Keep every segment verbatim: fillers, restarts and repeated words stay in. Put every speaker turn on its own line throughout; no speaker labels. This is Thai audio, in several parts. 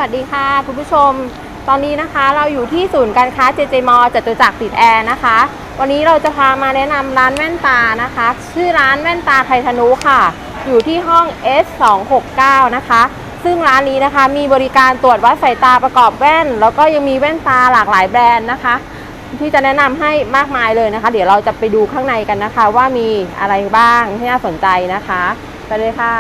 วัสดีค่ะคุณผู้ชมตอนนี้นะคะเราอยู่ที่ศูนย์การค้า เจ เจ มอลล์ จตุจักรติดแอร์นะคะวันนี้เราจะพามาแนะนำร้านแว่นตานะคะชื่อร้านแว่นตาไททานุค่ะอยู่ที่ห้อง เอส สองหกเก้า นะคะซึ่งร้านนี้นะคะมีบริการตรวจวัดสายตาประกอบแว่นแล้วก็ยังมีแว่นตาหลากหลายแบรนด์นะคะที่จะแนะนำให้มากมายเลยนะคะเดี๋ยวเราจะไปดูข้างในกันนะคะว่ามีอะไรบ้างที่น่าสนใจนะคะไปเลยค่ะ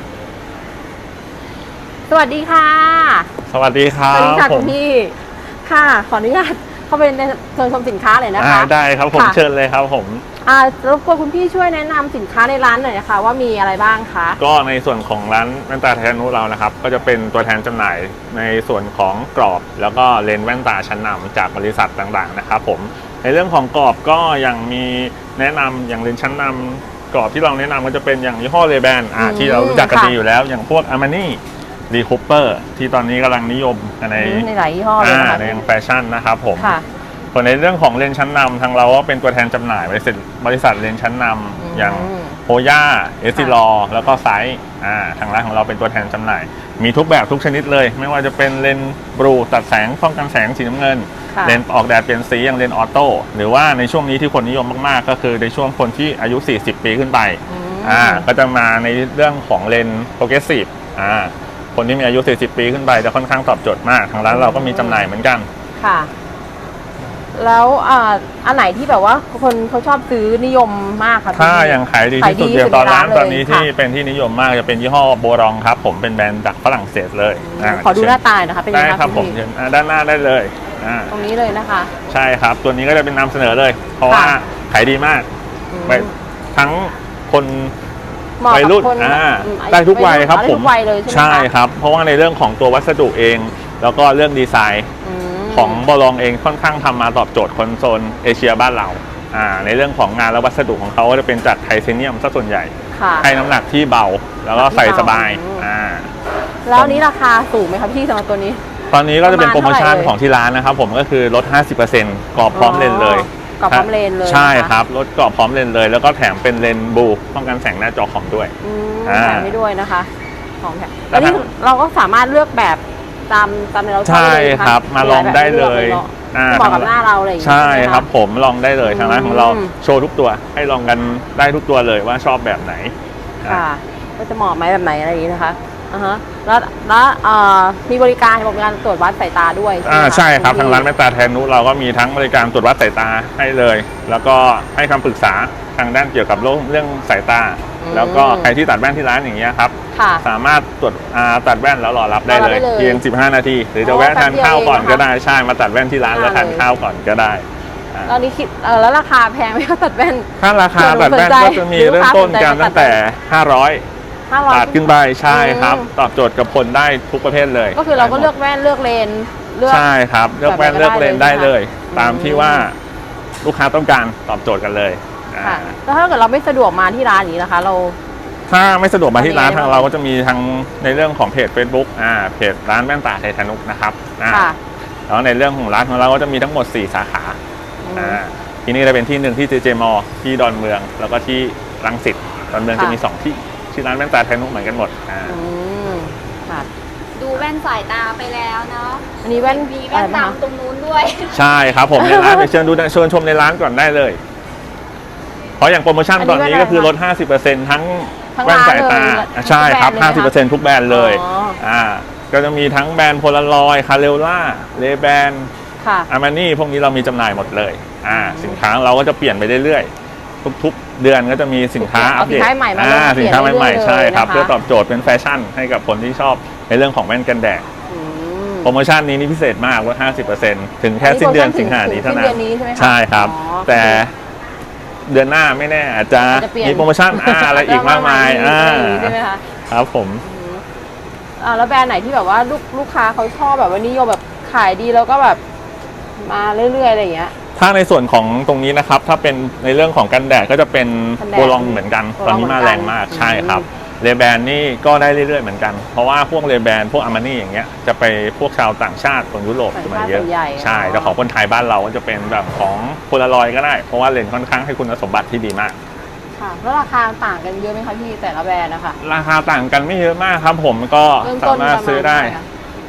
สวัสดีค่ะ
สวัสดีครับ
สวัสดีค่ะคุณพี่ค่ะขออนุญาตเข้าไปในเชิญชมสินค้าเลยนะคะ
ได้ครับผมเชิญเลยครับผม
อ่ารบกวนคุณพี่ช่วยแนะนำสินค้าในร้านหน่อยนะคะว่ามีอะไรบ้างคะ
ก็ในส่วนของร้านแว่นตาไททานุเรานะครับก็จะเป็นตัวแทนจำหน่ายในส่วนของกรอบแล้วก็เลนส์แว่นตาชั้นนำจากบริษัทต่างๆนะครับผมในเรื่องของกรอบก็ยังมีแนะนำอย่างเลนส์ชั้นนำกรอบที่เราแนะนำก็จะเป็นอย่างยี่ห้อเลแบนอ่าที่เรารู้จักกันดีอยู่แล้วอย่างพวกอาร์มานี่รีคูเปอร์ที่ตอนนี้กำลังนิยมใน
ในหลายยี่ห้อเลยนะคะ
ในแฟชั่นนะครับผมส่วนในเรื่องของเลนส์ชั้นนำทางเราก็เป็นตัวแทนจำหน่ายบริษัทบริษัทเลนส์ชั้นนำอย่างโฮย่าเอสซิลอแล้วก็ไซส์อ่าทางร้านของเราเป็นตัวแทนจำหน่ายมีทุกแบบทุกชนิดเลยไม่ว่าจะเป็นเลนส์บลูตัดแสงป้องกันแสงสีน้ำเงินเลนส์ออกแดดเปลี่ยนสีอย่างเลนส์ออโต้หรือว่าในช่วงนี้ที่คนนิยมมากๆก็คือในช่วงคนที่อายุสี่สิบปีขึ้นไปอ่าก็จะมาในเรื่องของเลนส์โปรเกรสซีฟอ่าคนที่มีอายุสี่สิบปีขึ้นไปจะค่อนข้างตอบโจทย์มากทางร้านเราก็มีจำหน่ายเหมือนกัน
ค่ะแล้วอันไหนที่แบบว่าคนเขาชอบซื้อนิยมมากคะ
ถ้ายังขายดีที่สุดเดียวตอนร้านตอนนี้ที่เป็นที่นิยมมากจะเป็นยี่ห้อโบรองครับผมเป็นแบรนด์จากฝรั่งเศสเลย
ขอดูหน้าตานะคะเป็นยังไง
ครับผมด้านหน้าได้เลย
ตรงนี้เลยนะคะ
ใช่ครับตัวนี้ก็จะเป็นนำเสนอเลยเพราะว่าขายดีมากทั้งคนวัยรุ่นได้ทุกวัยครับผมใช่ครับเพราะว่าในเรื่องของตัววัสดุเองแล้วก็เรื่องดีไซน์ของบอลองเองค่อนข้างทำมาตอบโจทย์คนโซนเอเชียบ้านเราอ่าในเรื่องของงานและวัสดุของเขาก็จะเป็นจากไทเทเนียมซะส่วนใหญ่ให้น้ำหนักที่เบาแล้วก็ใส่สบายอ่า
แล้วนี้ราคาสูงไหมครับพี่สำหรับตัวนี้
ตอนนี้ก็จะเป็นโปรโมชั่นของที่ร้านนะครับผมก็คือลด ห้าสิบเปอร์เซ็นต์ กรอบพร้อมเลนเลย
กรอบพร้อมเลนเลย
ใช่ครับลดกรอบพร้อมเลนเลยแล้วก็แถมเป็นเลนบูป้องกันแสงหน้าจอของด้วย
แถมให้ด้วยนะคะของแถมแล้วนี่เราก็สามารถเลือกแบบตามตามในเรา
ใช่ครับมาลองได้เลย
เหมาะกับหน้าเราอะไรอย่างเงี้ย
ใช่ครับผมลองได้เลยทางร้านของเราโชว์ทุกตัวให้ลองกันได้ทุกตัวเลยว่าชอบแบบไหน
ค่ะก็จะเหมาะไหมแบบไหนอะไรอย่างนี้นะคะอ่าฮะแล้วแล้วมีบริการบริการตรวจวัดสายตาด้วย
อ่าใช่ครับทางร้านแว่นตาไททานุเราก็มีทั้งบริการตรวจวัดสายตาให้เลยแล้วก็ให้คำปรึกษาทางด้านเกี่ยวกับเรื่องสายตาแล้วก็ใครที่ตัดแว่นที่ร้านอย่างเงี้ยครับสามารถตรวจตัดแว่นแล้วรอรับได้เลยเพียงสิบห้านาทีหรือจะแวะทานข้าวก่อนก็ได้ใช่มาตัดแว่นที่ร้านแล้วทานข้าวก่อนก็ได้
ตอนนี้คิดแล้วราคาแพงไหมคะตัดแว่น
ถ้าราคาตัดแว่นก็จะมีเริ่มต้นกันตั้งแต่ห้าร้อยบาทขึ้นไปใช่ครับตอบโจทย์กับคนได้ทุกประเภทเลย
ก็คือเราก็เลือกแว่นเลือกเลน
ใช่ครับเลือกแว่นเลือกเลนได้เลยตามที่ว่าลูกค้าต้องการตอบโจทย์กันเลย
ค่ะแล้วถ้าเกิดเราไม่สะดวกมาที่ร้านนี้นะคะเรา
ถ้าไม่สะดวกมาที่ร้านทางเราก็จะมีทางในเรื่องของเพจ Facebook อ่าเพจร้านแว่นตาไททานุนะครับค่ะแล้วในเรื่องของร้านของเราก็จะมีทั้งหมดสี่สาขาอ่าที่นี่จะเป็นที่หนึ่งที่ เจ เจ มอลล์ ที่ดอนเมืองแล้วก็ที่รังสิตดอนเมืองจะมีสองที่ที่ร้านแว่นตาไททานุเหมือนกันหมดอ่า
ค่ะดูแว่นสายตาไปแล้วเนาะ
อันนี้แว่น
มีแว่นดำตรงนู้นด้วย
ใช่ครับผมในร้านไปเชิญดูเชิญชมในร้านก่อนได้เลยเพราะอย่างโปรโมชั่นตอนนี้ก็คือลด ห้าสิบเปอร์เซ็นต์ ทั้งแว่นสายตาใช่ครับ ห้าสิบเปอร์เซ็นต์ ทุกแบรนด์เลยอ่าก็จะมีทั้งแบรนด์โพลารอยด์คาเรลล่าเลแบนอาร์มานี่พวกนี้เรามีจำหน่ายหมดเลยอ่าสินค้าเราก็จะเปลี่ยนไปเรื่อยๆทุกๆเดือนก็จะมีสินค้าอัปเดตอ่าสินค้าใหม่ๆใช่ครับเพื่อตอบโจทย์เป็นแฟชั่นให้กับคนที่ชอบในเรื่องของแว่นกันแดดโปรโมชั่นนี้นี่พิเศษมากลด ห้าสิบเปอร์เซ็นต์ ถึงแค่สิ้นเดือนสิงหาคมนี้เท่านั้นใช่ครับแต่เดือนหน้าไม่แน่อาจจะมีโปรโมชั่นอะไรอีกมากมายอ่า
ใช่ไหมคะ
ครับผม
อ่าแล้วแบรนด์ไหนที่แบบว่าลูกลูกค้าเขาชอบแบบว่านิยมแบบขายดีแล้วก็แบบมาเรื่อยๆอะไรอย่างเงี้ย
ถ้าในส่วนของตรงนี้นะครับถ้าเป็นในเรื่องของกันแดดก็จะเป็นโบลองเหมือนกันตอนนี้มาแรงมากใช่ครับเลแบนนี่ก็ได้เรื่อยๆเหมือนกันเพราะว่าพวกเลแบนพวกอาร์มานี่อย่างเงี้ยจะไปพวกชาวต่างชาติคนยุโรปจะมาเยอะใช่แต่ของคนไทยบ้านเราก็จะเป็นแบบของโพลารอยด์ก็ได้เพราะว่าเลนส์ค่อนข้างให้คุณสมบัติที่ดีมาก
ค่ะแล้วราคาต่างกันเยอะไหมคะพี่แต่ละแบรนด์นะคะ
ราคาต่างกันไม่เยอะมากครับผมก็สามารถซื้อได้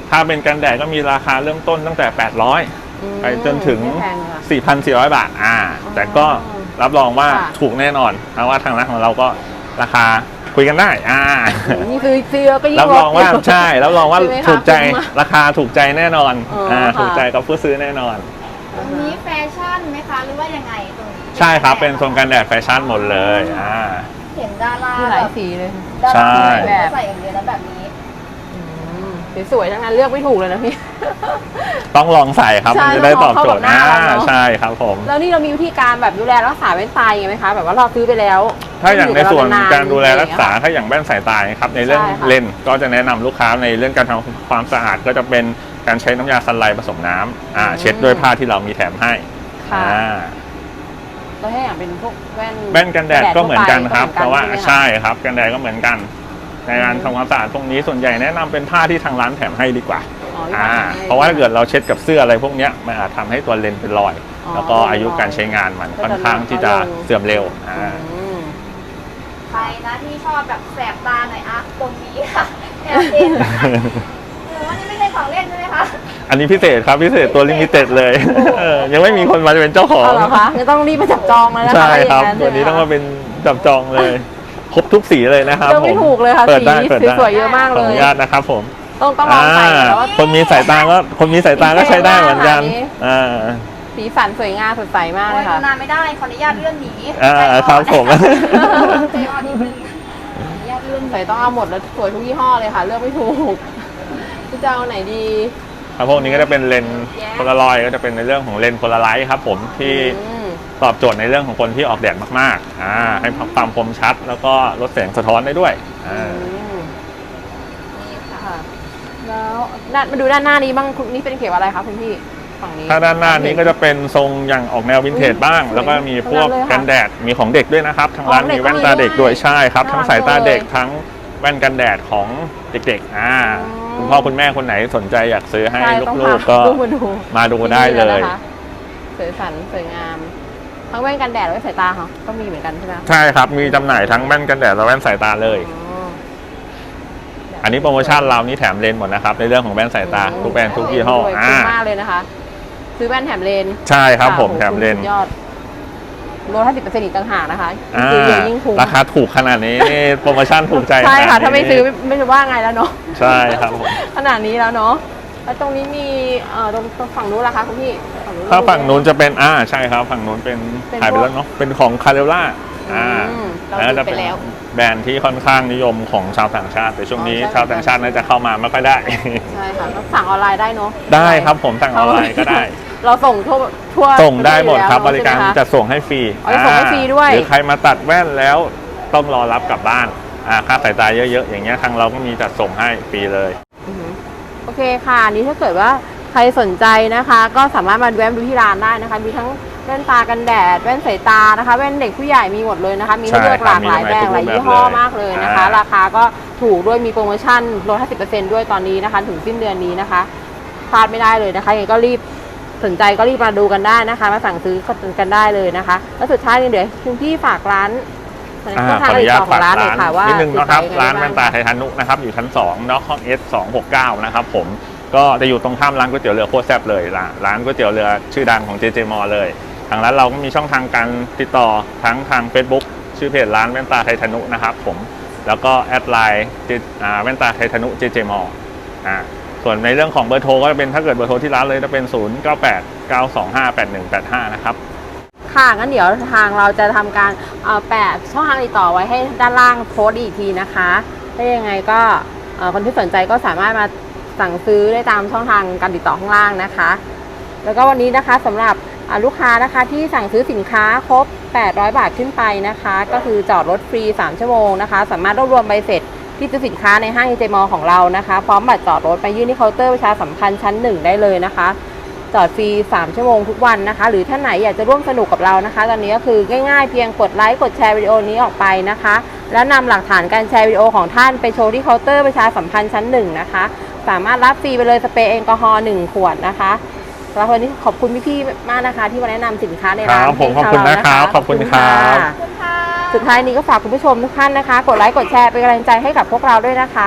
ถ้าเป็นกันแดดก็มีราคาเริ่มต้นตั้งแต่แปดร้อย
อืม
ไปจนถึง
ไม่แพงค่ะ
สี่พันสี่ร้อย บาทอ่า
อ๋อ
แต่ก็รับรองว่า
ค่ะ
ถูกแน่นอนเพราะว่าทางร้านของเราก็ราคาคุยกันได้อ่า
นี่คือซื้อก็ยิ่ง
รับรองว่า
ลดยู่
ใช่รับรองว่า
ใช่ไหมคะ
ถูกใจ
คุ้มมาก
ราคาถูกใจแน่นอน
อ๋ออ่
อ่า
ค่ะ
ถูกใจกับผู้ซื้อแน่นอน
ตรงนี้แฟชั่นไหมคะ หรือว่ายังไงตรงนี้
ใช่ครับเป็นโซนกันแดดแฟชั่นหมดเลยอ่า
เห็นดารา
มีห
แบ
ลาย
บ
สีเลย
ดา
ใช่
ราแบบใส่อย่างเดียวแล้วแบบนี้
อืมสวยๆทั้งนั้นเลือกไม่ถูกเลยนะพี่
ต้องลองใส่ครับ
ใช่
มันจะได้ตอบโจทย์
ต้องลองเข้ากับหน้า
อ่า
เราเนอะ
ใช่ครับผม
แล้วนี่เรามีวิธีการแบบดูแลรักษาแว่นตายังไงไหมคะ แบบว่าเราซื้อไปแล้ว
ถ้าอย่างในส่วน
อยู่บเ
การดูแลรักษา
อย่งเงี้ย
ถ้าอย่างแว่นสายตาครับในเรื่อง
ใช่ค่ะ
เลนส์ก็จะแนะนำลูกค้าในเรื่องการทำความสะอาดก็จะเป็นการใช้น้ำยาซันไลท์ผสมน้ำอ่า
อืม
เช็ดด้วยผ้าที่เรามีแถมให้
ค่ะ
อ่า
แล้วถ้าอย่างเป็นพวกแว่น
แว่นกันแดดก็เหมือนกันครับ
ทั่
แต่
วไป
ว่า
ก็เหมือนกัน
ใช่ครับกันแดดก็เหมือนกัน ในการ
อืม
ทำความสะอาดตรงนี้ส่วนใหญ่แนะนำเป็นผ้าที่ทางร้านแถมให้ดีกว่า
อ๋อที่
อ่า
ทำให้
เพราะว่าถ้าเกิดเราเช็ดกับเสื้ออะไรพวกเนี้ยมันอาจทำให้ตัวเลนส์เป็นรอย
อ๋อ
แล้วก็อายุการใช้งานมัน
ก็จะ
ค่อนข้างที่จะ
น้อยลง
เสื่อมเร็วอ่า
อืม
ใครนะที่ชอบแบบแสบตาหน่อยอะตรงนี้ค่ะแอบเห็นหรือว่านี่ไม่ใช่ของเล่นใช่ไหมคะ
อันนี้พิเศษครับพิเศษตัวลิมิเต็ดเลยเออยังไม่มีคนมาเป็นเจ้าของ
เอาเหรอคะงั้นต้องรีบมาจับจองแล้วนะคะ
ใช่ครับ
ถ้าย่าง
ตัวนี้ต้องมา
ใช่ไห
เป็นจับจองเลย ครบทุกสีเลยนะครับ
เลือกไม่
ผม
ถูกเลยค่ะ
เปิด
สี
ได้เปิดได้
สวยๆเยอะมาก
ข
เล
ออนุ
ย
ญาตนะครับผม
ต้องต้องลองใส่
อ่า
แล้วว่า
คนมีสายตาก็คนมีสายตาก็ใช้ได้เหมือนกัน
สีสวยมาก
อ่า
สีสันสวยงามสดใสมากเล
โอ้
ย
ย
ค่ะ
ดูนานไม่ได้ ขออนุญาตเลื่อนหนี
อ่า
ใจอ่อน
ครับผม
ใจอ่อนนิดนึงขออนุญาตเลื่อนหนี
ใส่ต้องเอาหมดแล้วสวยทุกยี่ห้อเลยค่ะ เลือกไม่ถูกจะเอาไหนดี
ครับพวกนี้ก็จะเป็นเลนส์โพลารอยด์ก็จะเป็นในเรื่องของเลนส์โพลาไรด์ครับผมที่
อืม
ตอบโจทย์ในเรื่องของคนที่ออกแดดมากๆอ่าให้ความคมชัด แล้วก็ลดแสงสะท้อนได้ด้วยอ่า
นี่ค่ะ
ค่ะ แล้วด้านมาดูด้านหน้านี้บ้างคุณนี่เป็นเขียวอะไรคะคุณพี่ฝั่งนี้
ถ้าด้านหน้านี้ก็จะเป็นทรงอย่างออกแนววินเทจบ้าง
อุ๊ย
แล้วก็มีพวก
สวย
กันแดดมีของเด็กด้วยนะครับทางร้าน
ของเด็
มี
ก
แว่นตาเด็กด้วย
ก็มีด้วย
ใช่ครับ
น่ารัก
ทั้งสายตาเด็ก
เลย
ทั้งแว่นกันแดดของเด็กๆอ่า
อ๋อ
คุณพ่อคุณแม่คนไหนสนใจอยากซื้อให้
ใช่ต้อง
ลู
พาก
ๆก็
ลูกมาดู
มาดูได้เลย
ที่นี่นะคะสวยสันสวยงาม ทั้งแว่นกันแดดและแว่นสายตาค่ะก็มีเหมือนกันใช่ไหม
ใช่ครับมีจำหน่ายทั้งแว่นกันแดดและแว่นสายตาเลย
อ๋อ
อันนี้โปรโมชั่นเรานี่แถมเลนส์หมดนะครับในเรื่องของแว่นสายตาทุกแบรนด์ทุกยี่ห้อ
ด้วย
อ่า
คุ้มมากเลยนะคะ ซื้อแว่นแถมเลน
ใช่ครับ
ะ
ผม
โอ้โห
แถมเลน
สุ
ส์
ดยอดลดห้าสิบเปอร์เซ็นต์อีกต่างหากนะคะ
อ่า
ซื้อเยอะยิ่งคุ้ม
ราคาถูกขนาดนี้นี่โปรโมชั่นถูกใจ
ใช่ค่ะ
ขนดนี้
ถ้าไม่ซื้อไม่ไม่รู้ว่าไงแล้วเนาะ
ใช่ครับผม
ขนาดนี้แล้วเนาะแล้วตรงนี้มีเอ่อตรงตรงฝั่งนู้นล่ะคะคุณพี่ฝั่งนู้น
ถ้าฝั่งนู้นจะเป็นอ่าใช่ครับฝั่งนู้นเป็น
เป็น
ขายไป
พวก
แล้วเนาะเป็นของคาเรล่าอ่า
อืมเรา
แล้ว
ดู
จะ
ไป
เป็น
แล้ว
แบรนด์ที่ค่อนข้างนิยมของชาวต่างชาติ แต่ช่วงนี้
อ๋อใช่
ชาวต่างชาติน่าจะเข้ามาไม่ค่อยได้
ใช่ค่ะแล้วสั่งออนไลน์ได้เนาะ
ได้ครับผมสั่งออนไลน์ก็ได้
เราส่งทั่วทั่ว
ส่งได้หมดครับ
ป
บ
ระเทศ
ริ
อยู่
การ
แล้ว
จัดส่งให้ฟรี
อ๋อจะส่งให้ฟรีด้วย
หรือใครมาตัดแว่นแล้วต้องรอรับกลับบ้านอ่าค่าสายตาเยอะๆอย่างเงี้ยทางเราก็มีจัดส่งให้ฟรีเลย
อือหือโอเคค่ะอันนี้ถ้าเกิดว่าใครสนใจนะคะ ก็สามารถมาแวะดูที่ร้านได้นะคะ มีทั้งแว่นตากันแดดแว่นสายตานะคะแว่นเด็กผู้ใหญ่มีหมดเลยนะคะ มีให้เลือกหลากหลายแบรนด์หลายยี่ห้อมากเลยนะคะ ราคาก็ถูกด้วยมีโปรโมชั่นลด ห้าสิบเปอร์เซ็นต์ ด้วยตอนนี้นะคะ ถึงสิ้นเดือนนี้นะคะพลาดไม่ได้เลยนะคะยังไงก็รีบสนใจก็รีบมาดูกันได้นะคะ มาสั่งซื้อกันได้เลยนะคะแล้วสุดท้ายนี่เดี๋ยวคุณพี่ฝากร้าน
อ่า
ช่อง
ข
ทา
อง อ
ติ
นุ
ด
ญาต
ต่อขอ
ฝาง ก
ร้านหน่
ร้า
อย
น
ค่ะว่า
นิดนึงนะครับ
ติดต่อ
ร้าน
ยังไง
แว่นตาไททานุนะครับอยู่ชั้นสองเนาะห้องเอสสองหกเก้านะครับผมก็จะอยู่ตรงข้ามร้านก๋วยเตี๋ยวเรือโคตรแซ่บเลยร้านร้านก๋วยเตี๋ยวเรือชื่อดังของ เจ เจ มอ เลยทางร้านเราก็มีช่องทางการติดต่อทั้งทาง Facebook ชื่อเพจร้านแว่นตาไททานุนะครับผมแล้วก็แอดไลน์แว่นตาไททานุ เจ เจ มอ อ่าส่วนในเรื่องของเบอร์โทรก็จะเป็นถ้าเกิดเบอร์โทรที่ร้านเลยจะเป็นศูนย์ เก้า แปด เก้า สอง ห้า แปด หนึ่ง แปด ห้านะครับ
ค่ะงั้นเดี๋ยวทางเราจะทำการเอ่อแปะช่องทางติดต่อไว้ให้ด้านล่างโพสต์อีกทีนะคะถ้ายังไงก็เอ่อคนที่สนใจก็สามารถมาสั่งซื้อได้ตามช่องทางการติดต่อข้างล่างนะคะ แล้วก็วันนี้นะคะสำหรับอ่าลูกค้านะคะที่สั่งซื้อสินค้าครบแปดร้อยบาทขึ้นไปนะคะ ก็คือจอดรถฟรีสามชั่วโมงนะคะสามารถรวบรวมใบเสร็จที่ซื้อสินค้าในห้าง เจ เจ มอ ของเรานะคะพร้อมบัตรจอดรถไปยื่นที่เคาน์เตอร์ประชาสัมพันธ์ชั้นหนึ่งได้เลยนะคะจอดฟรีสามชั่วโมงทุกวันนะคะหรือท่านไหนอยากจะร่วมสนุกกับเรานะคะตอนนี้ก็คือง่ายๆเพียงกดไลค์กดแชร์วิดีโอนี้ออกไปนะคะแล้วนำหลักฐานการแชร์วิดีโอของท่านไปโชว์ที่เคาน์เตอร์ประชาสัมพันธ์ชั้นหนึ่งนะคะสามารถรับฟรีไปเลยสเปรย์แอลกอฮอล์หนึ่งขวดนะคะแล้ววันนี้ขอบคุณพี่ๆมากนะคะที่มาแนะนำสินค้าในร้าน
ครับผม
ให้
ขอบคุณ
ทางเา
นะครับขอบคุณครับ
ะ
ขอบคุณค่ะ
สุดท้ายนี้ก็ฝากคุณผู้ชมทุกท่านนะคะกดไลค์กดแชร์เป็นกำลังใจให้กับพวกเราด้วยนะคะ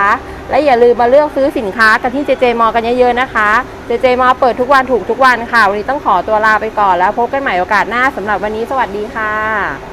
และอย่าลืมมาเลือกซื้อสินค้ากันที่ เจ เจ Mall กันเยอะๆนะคะ เจ เจ Mall เปิดทุกวันถูกทุกวันค่ะวันนี้ต้องขอตัวลาไปก่อนแล้วพบกันใหม่โอกาสหน้าสำหรับวันนี้สวัสดีค่ะ